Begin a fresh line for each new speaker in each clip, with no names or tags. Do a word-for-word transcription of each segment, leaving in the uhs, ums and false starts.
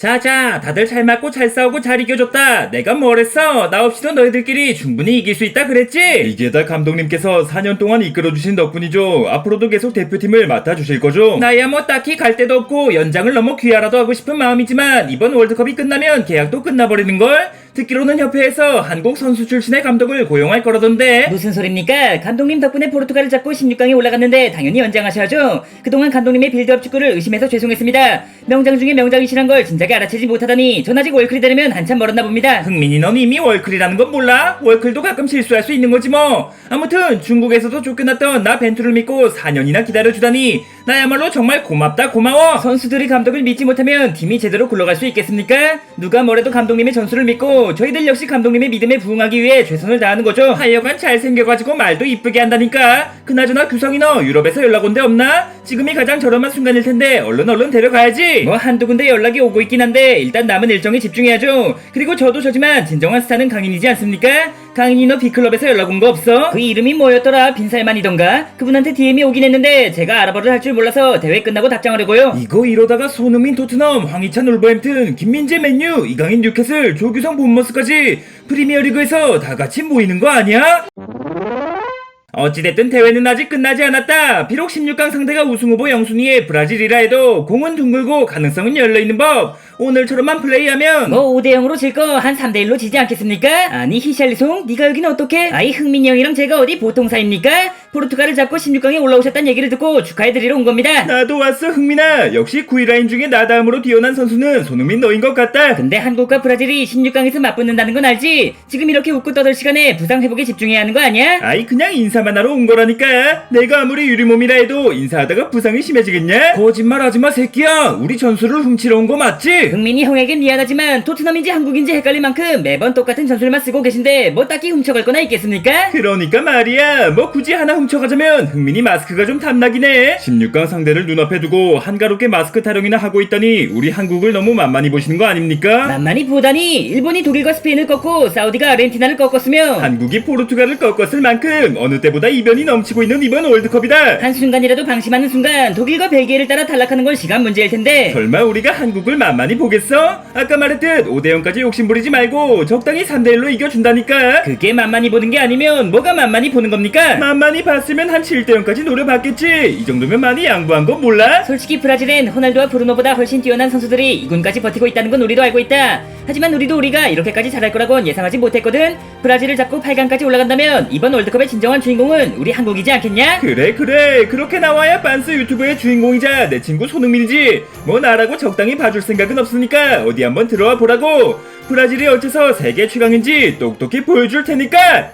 자자, 다들 잘 맞고 잘 싸우고 잘 이겨줬다. 내가 뭘 했어? 나 없이도 너희들끼리 충분히 이길 수 있다 그랬지? 이게 다 감독님께서 사 년 동안 이끌어주신 덕분이죠. 앞으로도 계속 대표팀을 맡아주실 거죠? 나야 뭐 딱히 갈 데도 없고 연장을 너무 귀하라도 하고 싶은 마음이지만 이번 월드컵이 끝나면 계약도 끝나버리는걸? 듣기로는 협회에서 한국 선수 출신의 감독을 고용할 거라던데.
무슨 소립니까? 감독님 덕분에 포르투갈을 잡고 십육 강에 올라갔는데 당연히 연장하셔야죠. 그동안 감독님의 빌드업 축구를 의심해서 죄송했습니다. 명장 중에 명장이시란 걸 진작에 알아채지 못하다니 전 아직 월클이 되려면 한참 멀었나 봅니다.
흥민이 넌 이미 월클이라는 건 몰라? 월클도 가끔 실수할 수 있는 거지 뭐. 아무튼 중국에서도 쫓겨났던 나 벤투를 믿고 사 년이나 기다려주다니 나야말로 정말 고맙다 고마워. 선수들이 감독을 믿지 못하면 팀이 제대로 굴러갈 수 있겠습니까? 누가 뭐래도 감독님의 전술을 믿고 저희들 역시 감독님의 믿음에 부응하기 위해 최선을 다하는 거죠. 하여간 잘생겨가지고 말도 이쁘게 한다니까. 그나저나 규성이 너 유럽에서 연락 온 데 없나? 지금이 가장 저렴한 순간일 텐데 얼른 얼른 데려가야지. 뭐 한두 군데 연락이 오고 있긴 한데 일단 남은 일정에 집중해야죠. 그리고 저도 저지만 진정한 스타는 강인이지 않습니까? 강인이 너 B클럽에서 연락 온 거 없어? 그 이름이 뭐였더라? 빈살만이던가? 그분한테 디엠이 오긴 했는데 제가 알아보를 할 줄 몰라서 대회 끝나고 답장하려고요. 이거 이러다가 손흥민 토트넘, 황희찬 울버햄튼, 김민재 맨유, 이강인 뉴캐슬, 조규성 본머스까지 프리미어리그에서 다 같이 모이는 거 아니야? 어찌됐든 대회는 아직 끝나지 않았다. 비록 십육 강 상대가 우승후보 영순위의 브라질이라 해도 공은 둥글고 가능성은 열려있는 법. 오늘처럼만 플레이하면
뭐 오 대 영으로 질 거 한 삼 대 일로 지지 않겠습니까? 아니 히샬리송 니가 여긴 어떡해? 아이 흥민이 형이랑 제가 어디 보통 사이입니까? 포르투갈을 잡고 십육 강에 올라오셨다는 얘기를 듣고 축하해드리러 온 겁니다.
나도 왔어 흥민아. 역시 구위 라인 중에 나 다음으로 뛰어난 선수는 손흥민 너인 것 같다.
근데 한국과 브라질이 십육 강에서 맞붙는다는 건 알지? 지금 이렇게 웃고 떠들 시간에 부상 회복에 집중해야 하는 거 아니야?
아이 그냥 인사만 하러 온 거라니까. 내가 아무리 유리몸이라 해도 인사하다가 부상이 심해지겠냐? 거짓말하지마 새끼야. 우리 전술을 훔치러 온 거 맞지?
흥민이 형에겐 미안하지만 토트넘인지 한국인지 헷갈릴 만큼 매번 똑같은 전술만 쓰고 계신데 뭐 딱히 훔쳐갈 거나 있겠습니까?
그러니까 말이야. 뭐 굳이 하나 훔쳐가자면 흥민이 마스크가 좀 탐나긴 해. 십육 강 상대를 눈앞에 두고 한가롭게 마스크 타령이나 하고 있다니 우리 한국을 너무 만만히 보시는 거 아닙니까?
만만히 보다니 일본이 독일과 스페인을 꺾고 사우디가 아르헨티나를 꺾었으며
한국이 포르투갈을 꺾었을 만큼 어느 때보다 이변이 넘치고 있는 이번 월드컵이다.
한순간이라도 방심하는 순간 독일과 벨기에를 따라 탈락하는 건 시간 문제일 텐데
설마 우리가 한국을 만만히 보겠어? 아까 말했듯 오 대 영까지 욕심부리지 말고 적당히 삼 대 일로 이겨준다니까.
그게 만만히 보는 게 아니면 뭐가 만만히 보는 겁니까?
만만히 봤으면 한 칠 대 영까지 노려봤겠지. 이 정도면 많이 양보한 거 몰라?
솔직히 브라질엔 호날두와 브루노보다 훨씬 뛰어난 선수들이 이군까지 버티고 있다는 건 우리도 알고 있다. 하지만 우리도 우리가 이렇게까지 잘할 거라곤 예상하지 못했거든. 브라질을 잡고 팔 강까지 올라간다면 이번 월드컵의 진정한 주인공은 우리 한국이지 않겠냐?
그래 그래 그렇게 나와야 빤스 유튜브의 주인공이자 내 친구 손흥민이지. 뭐 나라고 적당히 봐줄 생각은 없으니까 어디 한번 들어와 보라고. 브라질이 어째서 세계 최강인지 똑똑히 보여줄 테니까.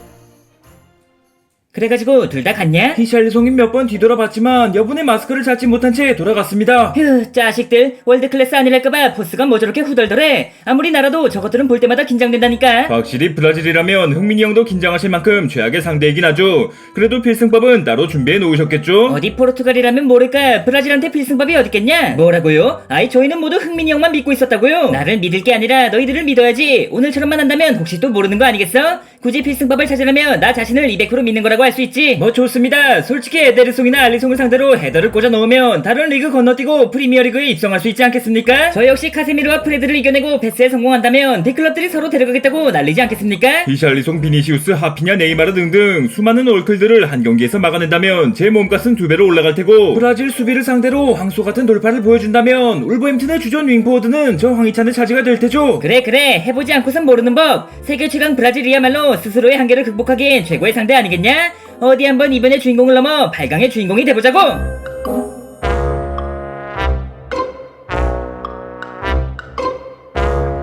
그래가지고 둘 다 갔냐?
히샬리송이 몇 번 뒤돌아봤지만 여분의 마스크를 찾지 못한 채 돌아갔습니다.
휴 자식들 월드클래스 아니랄까봐 포스가 뭐 저렇게 후덜덜해. 아무리 나라도 저것들은 볼 때마다 긴장된다니까.
확실히 브라질이라면 흥민이 형도 긴장하실 만큼 최악의 상대이긴 하죠. 그래도 필승법은 따로 준비해 놓으셨겠죠?
어디 포르투갈이라면 모를까 브라질한테 필승법이 어딨겠냐? 뭐라고요? 아이 저희는 모두 흥민이 형만 믿고 있었다고요? 나를 믿을 게 아니라 너희들을 믿어야지. 오늘처럼만 한다면 혹시 또 모르는 거 아니겠어? 굳이 필승법을 찾으려면 나 자신을 이백 퍼센트 믿는 거라고 할 수 있지.
뭐 좋습니다. 솔직히 에데르송이나 알리송을 상대로 헤더를 꽂아 넣으면 다른 리그 건너뛰고 프리미어리그에 입성할 수 있지 않겠습니까?
저 역시 카세미르와 프레드를 이겨내고 패스에 성공한다면 대클럽들이 서로 데려가겠다고 난리지 않겠습니까?
히샬리송, 비니시우스, 하피냐, 네이마르 등등 수많은 올클들을 한 경기에서 막아낸다면 제 몸값은 두 배로 올라갈 테고, 브라질 수비를 상대로 황소 같은 돌파를 보여준다면 울버햄튼의 주전 윙포워드는 저 황희찬의 차지가 될 테죠.
그래 그래 해보지 않고선 모르는 법. 세계 최강 브라질이야말로 스스로의 한계를 극복하기엔 최고의 상대 아니겠냐? 어디 한번 이번의 주인공을 넘어 팔 강의 주인공이 돼보자고.